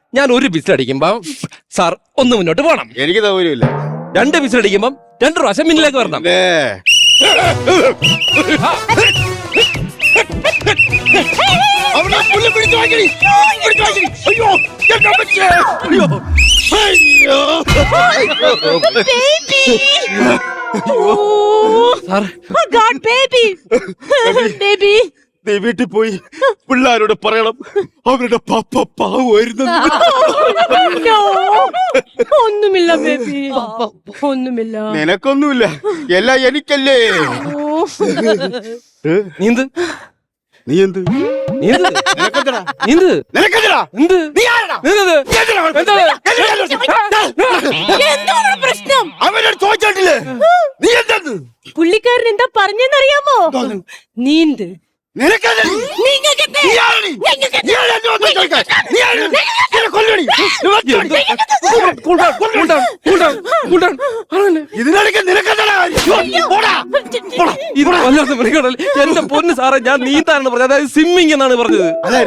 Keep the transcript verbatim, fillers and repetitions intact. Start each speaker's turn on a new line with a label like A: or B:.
A: ഞാൻ ഒരു whistle അടിക്കുമ്പോ sir ഒന്ന് മുന്നോട്ട് പോകണം.
B: എനിക്ക് സൗകര്യമില്ല.
A: രണ്ട് വിസിൽ അടിക്കുമ്പം രണ്ട് പ്രാവശ്യം മുന്നിലേക്ക് വരണം.
B: വീട്ടിൽ പോയി പിള്ളേരോട് പറയണം അവരുടെ പപ്പ പാവുമായിരുന്നു.
C: ഒന്നുമില്ല ബേബി, ഒന്നുമില്ല.
B: നിനക്കൊന്നുമില്ല, എല്ലാം എനിക്കല്ലേ.
A: നീന്ത്
B: നീ എന്ത്
A: നീന്ത്
B: നിനക്കെന്തടാ
A: നീന്ത്
B: നിനക്കെന്തടാ
A: എന്ത്
B: നീ ആരെടാ?
A: നീന്തത്
C: എന്താണ് പ്രശ്നം?
B: അവനോട് ചോദിച്ചിട്ടില്ലേ നീ എന്തെന്ന്?
C: പുള്ളിക്കാരൻ എന്താ പറഞ്ഞെന്നറിയാമോ? നീന്ത്.
B: ഇതിനിടയ്ക്ക് നിനക്കെന്താ
A: എന്റെ പൊന്ന് സാറേ, ഞാൻ നീന്താനാണ് പറഞ്ഞത്, അതായത് സ്വിമ്മിങ് എന്നാണ് പറഞ്ഞത്.